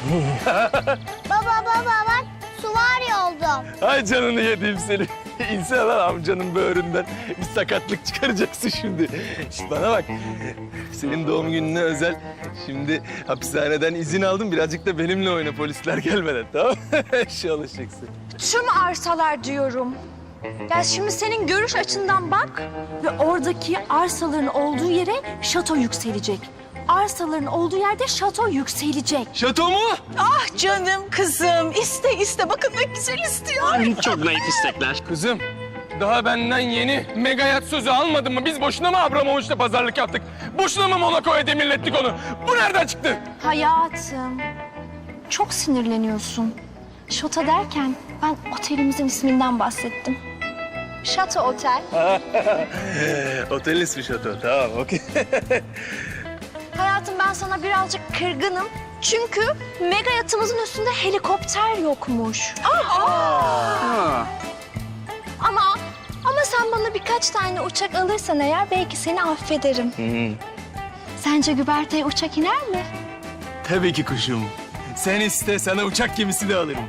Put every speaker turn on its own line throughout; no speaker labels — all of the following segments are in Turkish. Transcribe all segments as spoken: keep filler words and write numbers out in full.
Baba baba bak süvari oldum.
Ay canını yediğim seni. İnsan lan amcanın böğründen bir sakatlık çıkaracaksın şimdi. Şişt bana bak. Senin doğum gününe özel. Şimdi hapishaneden izin aldım. Birazcık da benimle oyna polisler gelmeden, tamam mı? Şu alışacaksın.
Tüm arsalar diyorum. Ya şimdi senin görüş açından bak ve oradaki arsaların olduğu yere şato yükselecek. Arsaların olduğu yerde şato yükselecek.
Şato mu?
Ah canım kızım. İste iste. Bakın ne güzel istiyor.
Çok naif istekler.
Kızım, daha benden yeni mega yat sözü almadın mı? Biz boşuna mı Abramovich'le pazarlık yaptık? Boşuna mı Monaco'ya demirlettik onu? Bu nereden çıktı?
Hayatım, çok sinirleniyorsun. Şato derken ben otelimizin isminden bahsettim. Şato Otel.
Otel ismi şato, tamam okey.
Hayatım ben sana birazcık kırgınım. Çünkü mega yatımızın üstünde helikopter yokmuş. Ama ama sen bana birkaç tane uçak alırsan eğer belki seni affederim. Sence güverteye uçak iner mi?
Tabii ki kuşum. Sen iste, sana uçak gemisi de alırım.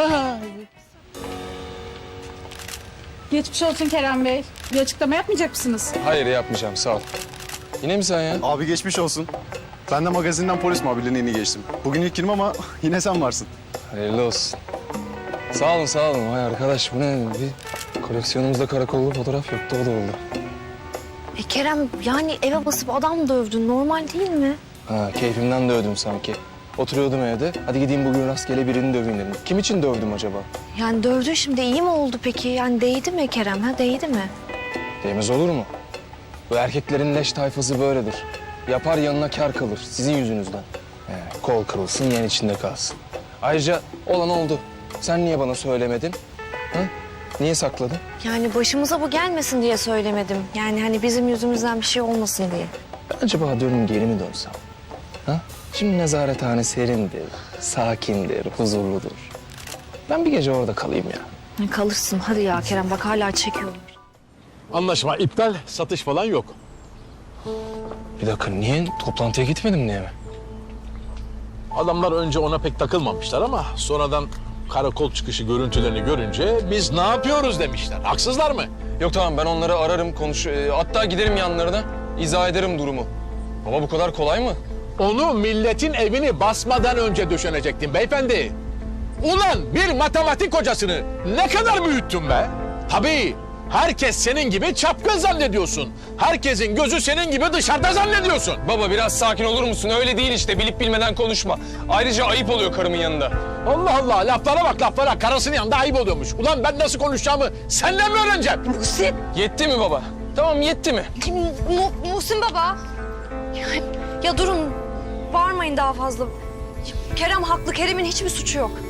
Geçmiş olsun Kerem Bey. Bir açıklama yapmayacak mısınız?
Hayır yapmayacağım sağ ol. Yine mi sen ya?
Abi geçmiş olsun. Ben de magazinden polis muhabirliğine yeni geçtim. Bugün ilk günüm ama yine sen varsın.
Hayırlı olsun. Sağ olun sağ olun. Vay arkadaş bu ne? Bir koleksiyonumuzda karakollu fotoğraf yoktu o da oldu.
E Kerem yani eve basıp adam dövdün normal değil mi?
Ha keyfimden dövdüm sanki. Oturuyordum evde. Hadi gideyim bugün rastgele birini döveyim dedim. Kim için dövdüm acaba?
Yani dövdün şimdi iyi mi oldu peki? Yani değdi mi Kerem ha değdi mi?
Değmez olur mu? Bu erkeklerin leş tayfası böyledir. Yapar yanına kar kalır sizin yüzünüzden. He, kol kırılsın yen içinde kalsın. Ayrıca olan oldu. Sen niye bana söylemedin? Ha? Niye sakladın?
Yani başımıza bu gelmesin diye söylemedim. Yani hani bizim yüzümüzden bir şey olmasın diye.
Ben acaba diyorum geri mi dönsem? Ha? Şimdi nezarethane serindir, sakindir, huzurludur. Ben bir gece orada kalayım ya.
Kalırsın hadi ya Kerem bak hala çekiyorum.
Anlaşma iptal, satış falan yok.
Bir dakika niye? Toplantıya gitmedim diye mi?
Adamlar önce ona pek takılmamışlar ama sonradan karakol çıkışı görüntülerini görünce biz ne yapıyoruz demişler. Haksızlar mı?
Yok tamam ben onları ararım, konuş... e, hatta giderim yanlarına, izah ederim durumu. Ama bu kadar kolay mı?
Onu milletin evini basmadan önce döşenecektin beyefendi. Ulan bir matematik hocasını ne kadar büyüttün be? Tabii herkes senin gibi çapkın zannediyorsun. Herkesin gözü senin gibi dışarıda zannediyorsun.
Baba biraz sakin olur musun? Öyle değil işte, bilip bilmeden konuşma. Ayrıca ayıp oluyor karımın yanında.
Allah Allah laflara bak laflara. Karısının yanında ayıp oluyormuş. Ulan ben nasıl konuşacağımı senden mi öğreneceğim?
Muhsin.
Yetti mi baba? Tamam yetti mi?
Mu Muhsin baba. Ya, ya durun bağırmayın daha fazla. Kerem haklı Kerem'in hiçbir suçu yok.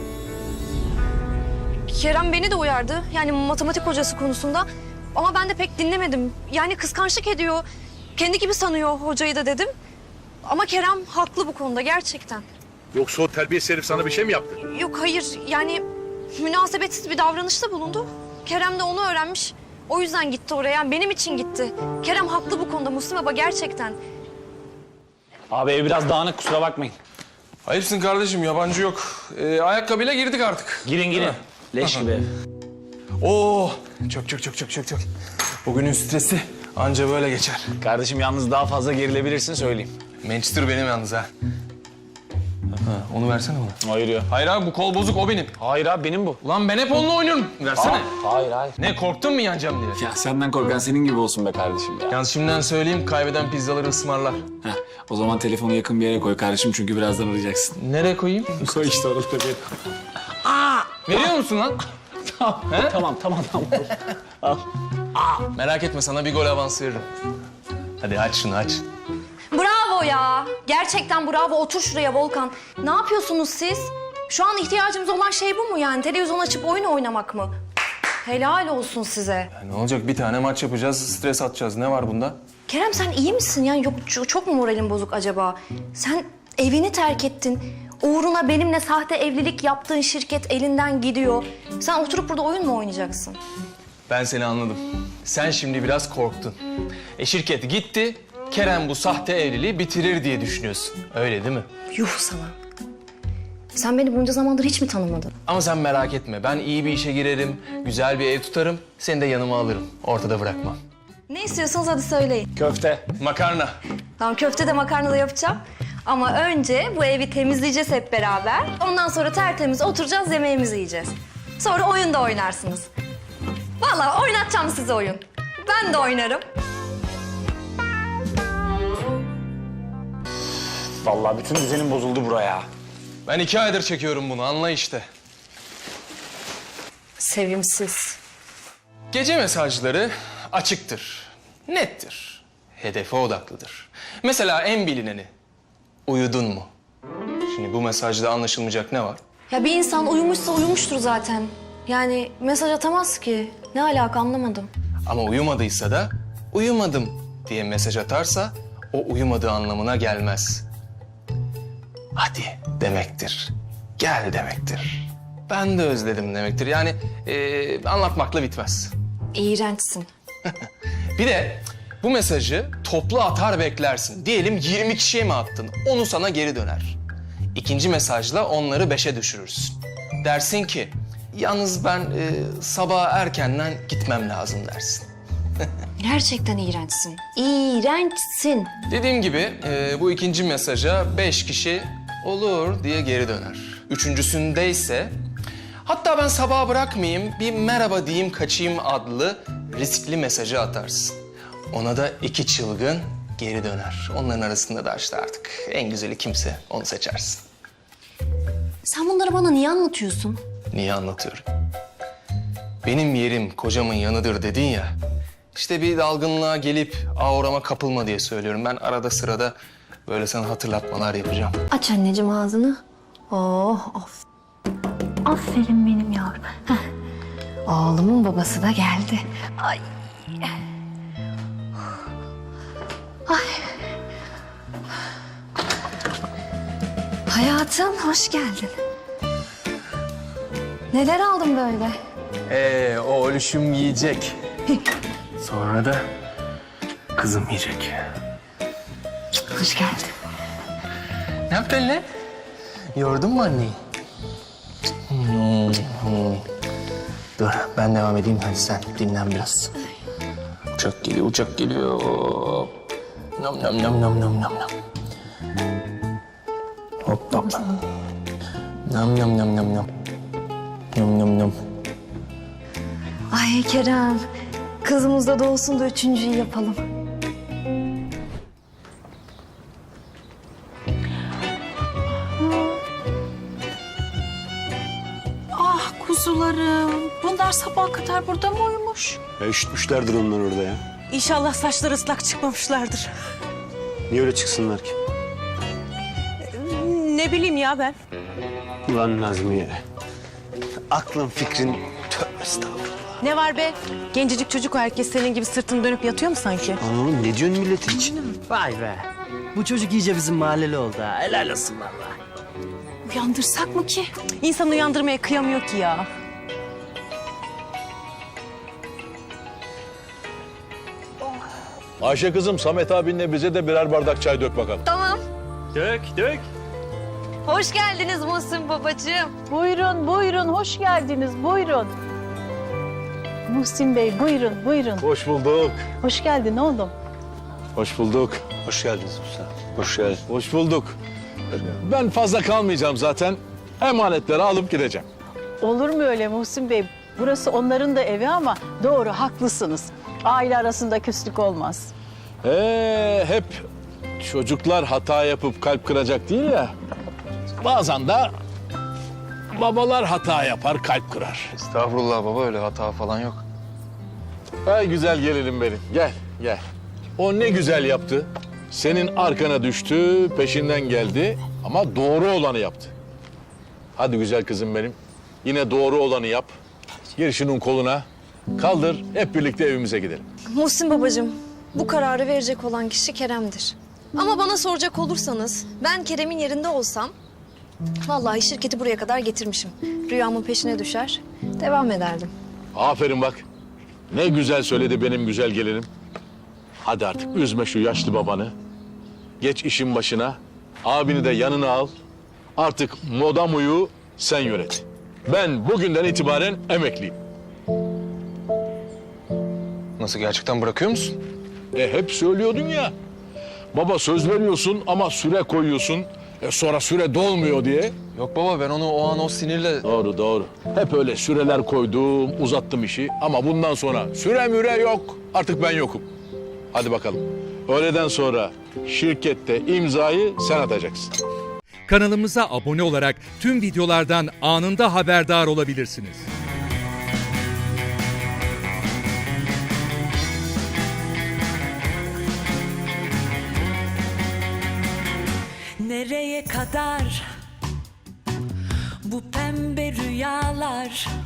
Kerem beni de uyardı. Yani matematik hocası konusunda. Ama ben de pek dinlemedim. Yani kıskançlık ediyor. Kendi gibi sanıyor hocayı da dedim. Ama Kerem haklı bu konuda gerçekten.
Yoksa o terbiyesiz herif sana bir şey mi yaptı?
Yok hayır yani münasebetsiz bir davranışta bulundu. Kerem de onu öğrenmiş. O yüzden gitti oraya. Yani benim için gitti. Kerem haklı bu konuda Muhsin baba gerçekten.
Abi ev biraz dağınık kusura bakmayın.
Ayıpsın kardeşim, yabancı yok. Ee, ayakkabıyla girdik artık.
Girin girin. Leş gibi ev.
Oo, çok çok çok çok çok çok. Bugünün stresi anca böyle geçer.
Kardeşim yalnız daha fazla gerilebilirsin söyleyeyim.
Manchester benim yalnız ha. Ha, onu versene bana.
Hayır ya.
Hayır abi bu kol bozuk, o benim.
Hayır abi benim bu.
Ulan ben hep onunla oynuyorum. Versene.
Hayır hayır.
Ne korktun mu yanacağım diye?
Ya senden korkan senin gibi olsun be kardeşim ya.
Yalnız şimdiden söyleyeyim, kaybeden pizzaları ısmarlar.
Heh, o zaman telefonu yakın bir yere koy kardeşim çünkü birazdan arayacaksın.
Nereye koyayım?
Koy işte orada bir.
Veriyor musun lan?
Tamam tamam tamam.
Merak etme, sana bir gol avansı veririm. Hadi aç şunu aç.
Bravo ya. Gerçekten bravo. Otur şuraya Volkan. Ne yapıyorsunuz siz? Şu an ihtiyacımız olan şey bu mu yani? Televizyon açıp oyun oynamak mı? Helal olsun size.
Ya ne olacak, bir tane maç yapacağız, stres atacağız. Ne var bunda?
Kerem sen iyi misin? Yani yok çok, çok mu moralin bozuk acaba? Sen evini terk ettin. Uğruna benimle sahte evlilik yaptığın şirket elinden gidiyor. Sen oturup burada oyun mu oynayacaksın?
Ben seni anladım. Sen şimdi biraz korktun. E şirket gitti, Kerem bu sahte evliliği bitirir diye düşünüyorsun. Öyle değil mi?
Yuh sana. Sen beni bunca zamandır hiç mi tanımadın?
Ama sen merak etme. Ben iyi bir işe girerim, güzel bir ev tutarım. Seni de yanıma alırım. Ortada bırakmam.
Ne istiyorsanız hadi söyleyin.
Köfte, makarna.
Tamam, köfte de makarna da yapacağım. Ama önce bu evi temizleyeceğiz hep beraber. Ondan sonra tertemiz oturacağız, yemeğimizi yiyeceğiz. Sonra oyun da oynarsınız. Vallahi oynatacağım size oyun. Ben de oynarım.
Vallahi bütün düzenim bozuldu buraya.
Ben iki aydır çekiyorum bunu, anla işte.
Sevimsiz.
Gece mesajları açıktır, nettir, hedefe odaklıdır. Mesela en bilineni, uyudun mu? Şimdi bu mesajda anlaşılmayacak ne var?
Ya bir insan uyumuşsa uyumuştur zaten. Yani mesaj atamaz ki. Ne alaka anlamadım.
Ama uyumadıysa da uyumadım diye mesaj atarsa o uyumadığı anlamına gelmez. Hadi demektir, gel demektir. Ben de özledim demektir. Yani eee, anlatmakla bitmez.
İğrençsin.
Bir de bu mesajı toplu atar beklersin. Diyelim yirmi kişiye mi attın? Onu sana geri döner. İkinci mesajla onları beşe düşürürsün. Dersin ki, yalnız ben e, sabah erkenden gitmem lazım dersin.
Gerçekten iğrençsin. İğrençsin.
Dediğim gibi e, bu ikinci mesaja beş kişi olur diye geri döner. Üçüncüsünde ise hatta ben sabaha bırakmayayım bir merhaba diyeyim kaçayım adlı riskli mesajı atarsın. Ona da iki çılgın geri döner. Onların arasında da işte artık en güzeli kimse onu seçersin.
Sen bunları bana niye anlatıyorsun?
Niye anlatıyorum? Benim yerim kocamın yanıdır dedin ya. İşte bir dalgınlığa gelip aurama kapılma diye söylüyorum. Ben arada sırada böyle sana hatırlatmalar yapacağım.
Aç anneciğim ağzını. Oh, of. Aferin benim yavrum. Heh. Oğlumun babası da geldi. Ay. Ay. Hayatım, hoş geldin. Neler aldın böyle?
Ee, o ölüşüm yiyecek. Sonra da kızım yiyecek.
Hoş geldin.
Ne yaptın lan? Yordun mu anneyi? Hmm, hmm. Dur, ben devam edeyim. Hadi sen dinlen biraz. Uçak geliyor, uçak geliyor. Nam nam nam nam nam nam nam. Hop hop. Nam nam nam nam nam. Nam nam nam.
Ay Kerem, kızımız da doğsun da üçüncüyü yapalım.
Ah kuzularım. Bunlar sabaha kadar burada mı uyumuş?
Ya üşütmüşlerdir onlar orada ya.
İnşallah saçları ıslak çıkmamışlardır.
Niye öyle çıksınlar ki?
Ne bileyim ya ben.
Ulan Nazmiye. Aklın fikrin tövbe estağfurullah.
Ne var be? Gencecik çocuk o, herkes senin gibi sırtını dönüp yatıyor mu sanki?
Oğlum ne diyorsun milletin için?
Vay be. Bu çocuk iyice bizim mahalleli oldu ha. Helal olsun vallahi.
Uyandırsak mı ki? İnsan uyandırmaya kıyamıyor ki ya.
Ayşe kızım, Samet abinle bize de birer bardak çay dök bakalım.
Tamam.
Dök dök.
Hoş geldiniz Muhsin babacığım.
Buyurun, buyurun. Hoş geldiniz. Buyurun. Muhsin Bey, buyurun, buyurun.
Hoş bulduk.
Hoş geldin oğlum.
Hoş bulduk.
Hoş geldiniz usta. Hoş geldin.
Hoş bulduk. Ben fazla kalmayacağım zaten. Emanetleri alıp gideceğim.
Olur mu öyle Muhsin Bey? Burası onların da evi ama doğru, haklısınız. Aile arasında küslük olmaz.
Ee, hep çocuklar hata yapıp kalp kıracak değil ya. Bazen de babalar hata yapar, kalp kırar.
Estağfurullah baba, öyle hata falan yok.
Ay güzel gelinim benim. Gel, gel. O ne güzel yaptı. Senin arkana düştü, peşinden geldi ama doğru olanı yaptı. Hadi güzel kızım benim. Yine doğru olanı yap. Gir şunun koluna. Kaldır, hep birlikte evimize gidelim.
Muhsin babacığım, bu kararı verecek olan kişi Kerem'dir. Ama bana soracak olursanız, ben Kerem'in yerinde olsam... vallahi şirketi buraya kadar getirmişim. Rüyamın peşine düşer, devam ederdim.
Aferin bak. Ne güzel söyledi benim güzel gelinim. Hadi artık üzme şu yaşlı babanı. Geç işin başına. Abini de yanına al. Artık Modamu'yu sen yönet. Ben bugünden itibaren emekliyim.
Nasıl, gerçekten bırakıyor musun?
E hep söylüyordun ya. Baba söz veriyorsun ama süre koyuyorsun. E sonra süre dolmuyor diye.
Yok baba, ben onu o an o sinirle...
Doğru doğru. Hep öyle süreler koydum, uzattım işi. Ama bundan sonra süre müre yok. Artık ben yokum. Hadi bakalım. Öğleden sonra şirkette imzayı sen atacaksın.
Kanalımıza abone olarak tüm videolardan anında haberdar olabilirsiniz.
Nereye kadar bu pembe rüyalar?